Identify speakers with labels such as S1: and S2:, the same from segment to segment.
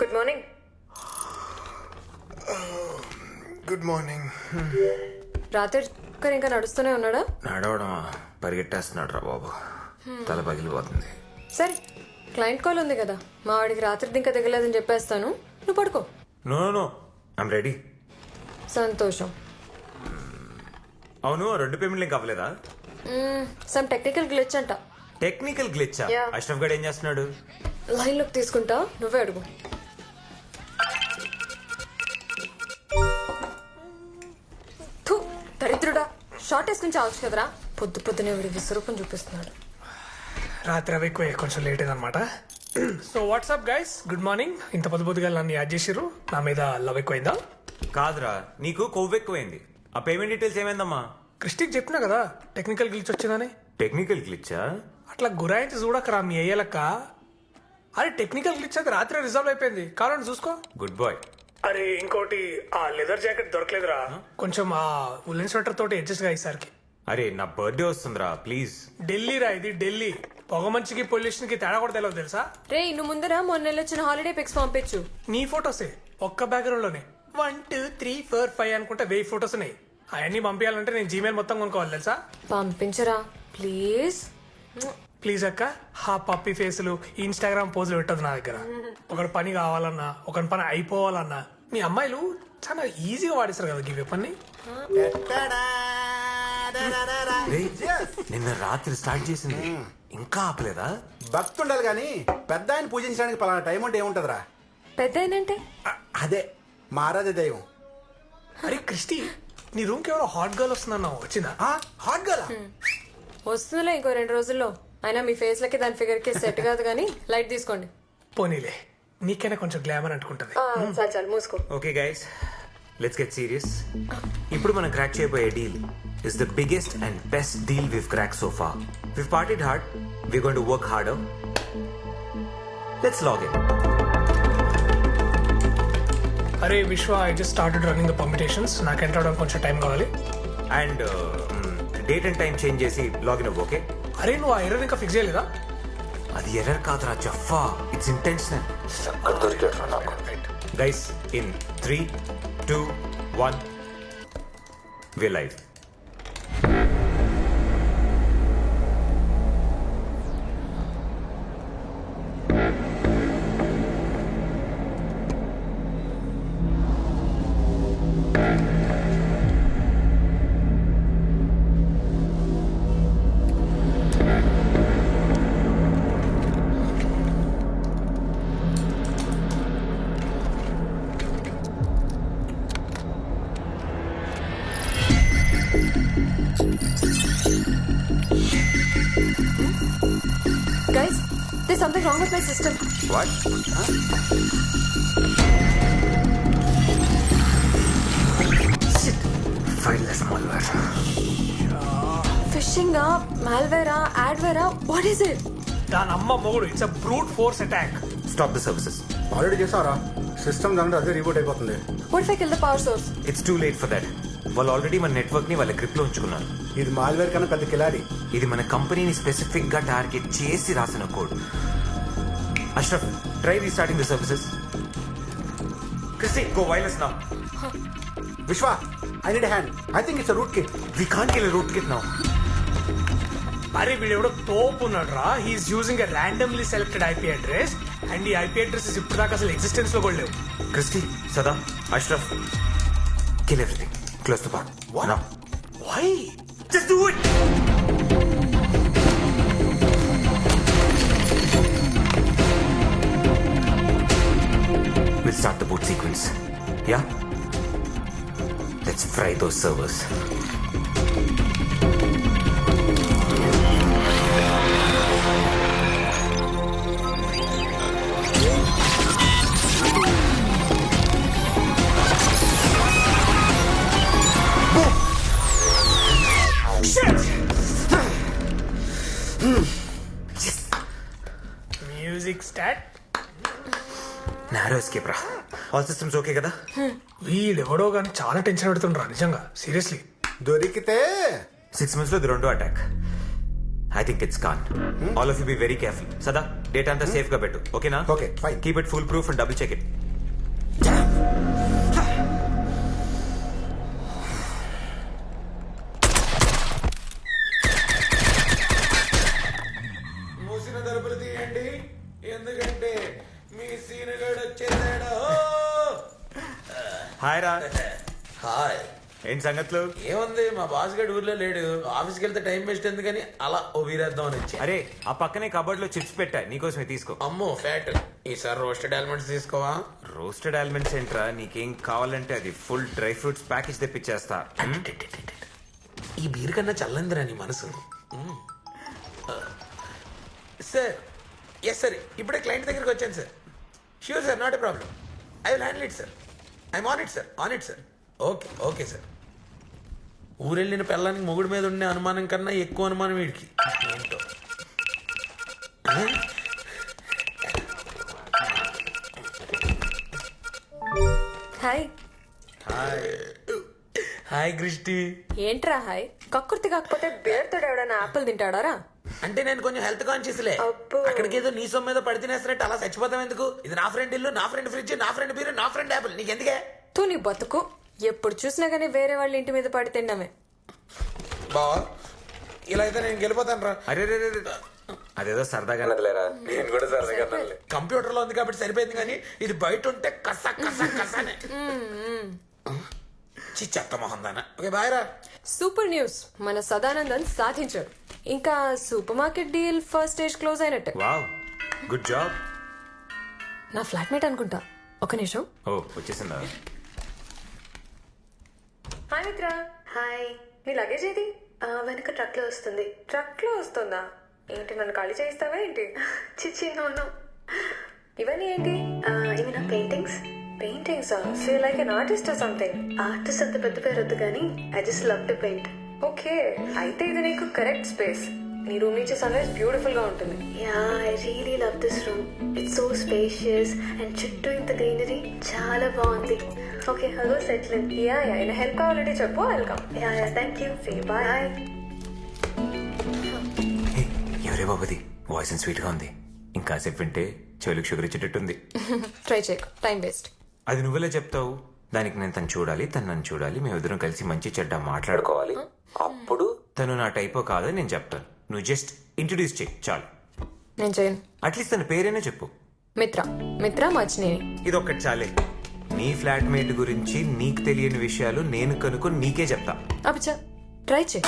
S1: Good morning.
S2: Good morning.
S1: రాత్రి ఇంకా నడుస్తూనే ఉన్నాడా?
S2: నడవడమా, పరిగెట్టేస్తున్నాడు రా బాబు. తల పగిలిపోతుంది.
S1: సరే, క్లయింట్ కాల్ ఉంది కదా, మా వాడికి రాత్రి ఇంకా దిగలేదని చెప్పేస్తాను, నువ్వు పడుకో.
S2: No no, I'm ready.
S1: సంతోషం.
S2: అవును, 2 పేమెంట్లు ఇంకా అవ్వలేదా?
S1: సమ్ టెక్నికల్ గ్లిచ్ అంట.
S2: టెక్నికల్ గ్లిచ్చా?
S1: Yeah.
S2: అష్రఫ్ గడ్ ఏం చేస్తున్నాడు?
S1: లైన్లోకి తీసుకుంటా, నువ్వే అడుగు. థు, దరిద్రుడా, షార్ట్ వేసుకుని చావచ్చు కదరా. పొద్దునే వీడి విశ్వరూపం చూపిస్తున్నాడు.
S3: రాత్రి అవి ఎక్కువ, కొంచెం లేట్ అయిందనమాట. So what's up guys, good morning. ఇంత పొద్దుగా నన్ను యాడ్ చేసిర్రు, నా మీద లవ్ ఎక్కువైందా?
S2: కాదురా, నీకు కొవ్వు ఎక్కువైంది. ఆ పేమెంట్ డీటెయిల్స్ ఏమైందమ్మా?
S3: క్రిస్టిక్ చెప్పినా కదా టెక్నికల్ గ్లిచ్ వచ్చిందని.
S2: టెక్నికల్ గ్లిచ్చా?
S3: అట్లా గురాయించి చూడకరా మీ అయ్యలక్క. అరే టెక్నికల్ గ్లిచ్ అది రాత్రి రిజర్వ్ అయిపోయింది, కావాలని చూసుకో.
S2: Good boy.
S3: అరే ఇంకోటి, ఆ లెదర్ జాకెట్ దొరకలేదురా, కొంచెం ఆ ఉల్లెన్ స్వెటర్ తోటి అడ్జస్ట్ గా ఈసారికి.
S2: అరే నా బర్త్డే వస్తుందిరా, ప్లీజ్.
S3: ఢిల్లీ రా ఇది, ఢిల్లీ. పొగ మంచికి పొల్యూషన్ కి తేడా కూడా తెలియదు తెలుసా?
S1: రే, ఇನ್ನು ముందర మొన్న వచ్చిన హాలిడే పిక్స్ పంపించు.
S3: నీ ఫొటోసే ఒక్క బ్యాక్గ్రౌండ్ లోనే 1 2 3 4 5 అనుకుంటే 1000 ఫొటోస్ ఉన్నాయి. అవన్నీ పంపించాలంటే నేను జీమెయిల్ మొత్తం కొనుక్కోవాలి తెలుసా?
S1: పంపించరా ప్లీజ్.
S3: ప్లీజ్ అక్క, హా పప్పి ఫేసులు ఇన్స్టాగ్రామ్ పోజులు పెట్టదు నా దగ్గర. ఒకటి పని కావాలన్నా, ఒకటి పని అయిపోవాలన్నా మీ అమ్మాయిలు చాలా ఈజీగా వాడిస్తారు కదా గివ్ పని.
S2: రేయ్, నిన్న రాత్రి స్టార్ట్ చేసింది, ఇంకా ఆపలేదా?
S4: భక్తి ఉండాలి కానీ పెద్ద ఆయన పూజించడానికి పలానా టైం అంటే ఏముంటదిరా?
S1: పెద్ద ఏంటంటే
S4: అదే మా ఆరాధ్య దైవం.
S3: అరే క్రిస్టి, నీ రూమ్ కి ఎవరో హాట్ గర్ల్ వస్తుందన్నావు, వచ్చిందా?
S4: హాట్ గర్ల్
S1: వస్తుందిలే ఇంకో 2 రోజుల్లో. అయినా మీ ఫేస్ లకి దాని ఫిగర్ కి సెట్ కాదు కానీ లైట్ తీసుకోండి.
S3: పోనీలే, నీకైనా కొంచెం గ్లామర్ అంటుకుంటది.
S1: చాలు మూసుకో.
S2: Okay guys, let's get serious. ఇప్పుడు మనం క్రాక్ చేయబోయే deal is the biggest and best deal we've crack so far. We've partied hard, we going to work harder. Let's log in.
S3: అరే Vishwa, I just started running the permutations. నాకు enter అవడానికి కొంచెం time కావాలి.
S2: And date and time change చేసి login అవ్వు, okay?
S3: అరే నువ్వు ఆ ఎర్రర్ ఇంకా ఫిక్స్ చేయలేదా?
S2: అది ఎర్రర్ కాదురా జఫా, it's intentional. Guys, in 3 2 1 we live.
S1: Guys, there's something wrong with my system.
S2: What? Shit. Fileless malware.
S1: Phishing malware adware, what is it?
S3: దాని అమ్మ మొగుడు, it's a brute force attack.
S2: Stop the services.
S4: Already చేసావరా? System దాంట్లో అదే report అయిపోతుంది.
S1: What if I kill the power source?
S2: It's too late for that. వాళ్ళు already మన network ని వాళ్ళ గ్రిప్ లో ఉంచుకున్నారు.
S4: ఇది మాల్వేర్ కన్నా పెద్ద కిలాడి.
S2: ఇది మన కంపెనీని స్పెసిఫిక్ గా టార్గెట్ చేసి రాసిన code. Ashraf, try restarting the services. Christy, go wireless now.
S4: Vishwa, I need hand. I think it's root kit.
S2: We can't kill root kit now.
S3: అరే వీడు ఎవడో తోపు ఉన్నాడు రా. He's using a randomly selected IP address and ఈ IP addresses ఇప్పుడు దాకా అసలు ఎగ్జిస్టెన్స్ లో కూడా లేవు.
S2: Christy, Sada, Ashraf, kill everything. Close the bar.
S4: What?
S2: Now.
S3: Why?
S2: Just do it! We'll start the boot sequence. Yeah? Let's fry those servers.
S3: Music start.
S2: Narrow escape రా. All systems okay కదా?
S3: వీడెవడో కానీ చాలా టెన్షన్ పెడుతుండ్రా నిజంగా, seriously.
S4: దొరికితే
S2: 6 months లో ఇది 2వ attack. I think it's con. All of you be very careful. Sada data అంతా సేఫ్ గా పెట్టు, ఓకేనా?
S4: Okay, fine.
S2: Keep it foolproof and double check it.
S5: మూసిన తలుపులు తీయండి, ఎందుకంటే మీ సీనుగాడు వచ్చేసాడు.
S2: హాయ్ రా.
S5: హాయ్.
S2: ఏంటి సంగతులు?
S5: ఏముంది, మా బాస్ గడు ఊర్లో లేడు. ఆఫీస్కి వెళ్తే టైం వేస్ట్ ఎందుకని అలా ఓ వీరేద్దాం అని వచ్చి.
S2: అరే ఆ పక్కనే కబోర్డ్ లో చిప్స్ పెట్టా, నీకోసమే తీసుకో.
S5: అమ్మో ఫ్యాట్. ఈసారి రోస్టెడ్ ఆల్మండ్స్ తీసుకోవా?
S2: రోస్టెడ్ ఆల్మండ్స్ ఏంట్రా, నీకేం కావాలంటే అది ఫుల్ డ్రై ఫ్రూట్స్ ప్యాకేజ్ తెప్పించేస్తా.
S5: ఈ బీర్ కన్నా చల్లందిరా నీ మనసు. సార్, ఎస్ సార్, ఇప్పుడే క్లయింట్ దగ్గరికి వచ్చాను sir. Sure sir, not a problem. I will handle it sir. I'm on it sir, on it sir. Okay okay sir. ఊరెళ్ళిన పిల్లానికి మొగుడు మీద ఉండే అనుమానం కన్నా ఎక్కువ అనుమానం వీడికి. ఏంటో.
S1: హాయ్.
S5: Hi Christy.
S1: ఏంట్రా హాయ్? కక్కుర్తి కాకపోతే బేర్తో ఎవడన్నా ఆపిల్ తింటాడారా?
S5: అంటే నేను కొంచెం హెల్త్ కాన్షియస్లే.
S1: అబ్బో.
S5: అక్కడికి ఏదో నీ సొమ్ము మీద పడి తినేస్తున్నట్టు అలా చచ్చిపోతాం ఎందుకు? ఇది నా ఫ్రెండ్ ఇల్లు, నా ఫ్రెండ్ ఫ్రిడ్జ్, నా ఫ్రెండ్ బీరు, నా ఫ్రెండ్ యాపిల్. నీకెందుకే?
S1: తూ నీ బతుకు. ఎప్పుడు చూసినా గానీ వేరే వాళ్ళ ఇంటి మీద పడి తిండమే.
S5: బావా, ఇలా అయితే నేను గెలిపోతాను రా.
S2: అరే రే రే రే. అదేదో సరదాగా నదిలేరా.
S5: నేను కూడా సరదాగా కంప్యూటర్ లో ఉంది కాబట్టి సరిపోయింది, కానీ ఇది బయట ఉంటే కస కస కసనే. చెత్త మొహం దానా. ఓకే బాయ్ రా.
S1: సూపర్ న్యూస్, మన సదానందన్ సాధించాడు. ఇంకా supermarket deal first stage close అయినట్టే.
S2: Wow, good job.
S1: నా ఫ్లాట్మేట్ అనుకుంటా. ఒక నిమిషం.
S2: ఓ వచ్చేసిందా?
S1: హాయ్ మిత్ర.
S6: హాయ్.
S1: నీ లగేజ్ ఏది?
S6: వెనక ట్రక్ లో వస్తుంది.
S1: ట్రక్ లో వస్తుందా? ఏంటి, నన్ను ఖాళీ చేయిస్తావా ఏంటి?
S6: చిచ్చి నోను.
S1: ఇవన్నీ ఏంటి?
S6: ఇవి నా paintings.
S1: Paintings. So like an artist or something.
S6: Artist అంత పెద్ద పేరు వద్దు కానీ I just love to paint.
S1: Okay, అయితే ఇది నీకు కరెక్ట్ స్పేస్. నీ రూమ్ నుంచి సన్ రైజ్ బ్యూటిఫుల్ గా ఉంటుంది.
S6: Yeah, I really love this room. It's so spacious and చుట్టూ ఇంత గ్రీనరీ చాలా బాగుంది. Okay, hello settle in.
S1: Yeah yeah, ఏమైనా హెల్ప్ కావాలంటే చెప్పు, welcome.
S6: Yeah yeah, thank you.
S1: Bye.
S2: ఎవరే బాబుది, వాయిస్ స్వీట్ గా ఉంది. ఇంకాసేపు వింటే చెవులకు షుగర్ ఇచ్చేటట్టుంది.
S1: ట్రై చేయకు, టైం వేస్ట్.
S2: అది నువ్వెలా చెప్తావు? దానికి నేను తను చూడాలి, తను నన్ను చూడాలి, మేమిద్దరం కలిసి మంచి చెడ్డ మాట్లాడుకోవాలి. అప్పుడు తను నా టైపో కాదని నేను చెప్తాను. నువ్వు జస్ట్ ఇంట్రడ్యూస్ చేయి చాలు.
S1: నేను చేయను.
S2: అట్లీస్ట్ తన పేరేనే చెప్పు.
S1: మిత్ర. మిత్ర మచ్చినేని.
S2: ఇది ఒక్కటి చాలే. నీ ఫ్లాట్మేట్ గురించి నీకు తెలియని విషయాలు నేను కనుక్కొని నీకే చెప్తా.
S1: అబ్బా, ట్రై చేయి.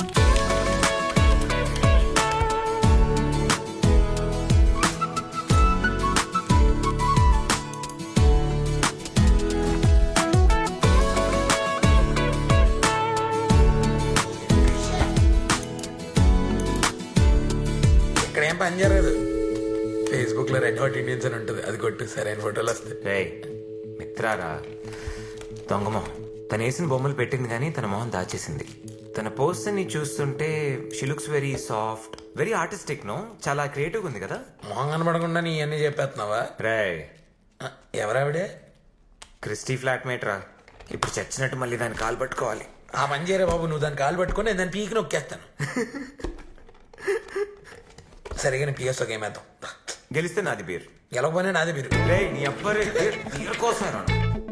S5: ఇక్కడ ఏం పని జరగదు. ఫేస్బుక్ లో రెడ్ హాట్ ఇండియన్స్ అని ఉంటుంది, అది కొట్టు, సరైన ఫోటోలు వస్తాయి.
S2: రే మిత్రారా, దొంగమో. తను వేసిన బొమ్మలు పెట్టింది కానీ తన మొహం దాచేసింది. తన పోస్ట్ ని చూస్తుంటే she looks very soft, very artistic. No, చాలా క్రియేటివ్ ఉంది కదా.
S5: మొహం కనబడకుండా నీ అన్ని చెప్పేస్తున్నావా?
S2: రే
S5: ఎవరావిడే?
S2: క్రిస్టీ ఫ్లాట్మేట్ రా. ఇప్పుడు చచ్చినట్టు మళ్ళీ దాన్ని కాలు పట్టుకోవాలి.
S5: ఆ పని చేయరా బాబు, నువ్వు దాన్ని కాలు పట్టుకొని నేను దాన్ని పీకి నొక్కేస్తాను. సరిగా నీ పిఎస్ ఒక ఏమేద్దాం.
S2: గెలిస్తే నాది బీర్,
S5: గెలవకపోయినా నాదే మీరు.
S2: రే నీ అబ్బరే బీర్ కోసం రా.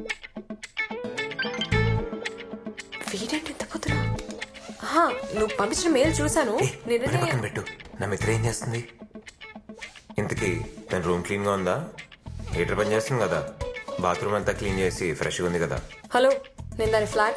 S1: వీడేంటి ఇంత పొద్దున? నువ్వు పంపించిన మెయిల్ చూసాను.
S2: పక్కన పెట్టు. నా మిత్ర ఏం చేస్తుంది ఇంతకీ? తన రూమ్ క్లీన్ గా ఉందా? హీటర్ పని చేస్తుంది కదా? బాత్రూమ్ అంతా క్లీన్ చేసి ఫ్రెష్గా ఉంది కదా?
S1: హలో, నేను దాని ఫ్లాట్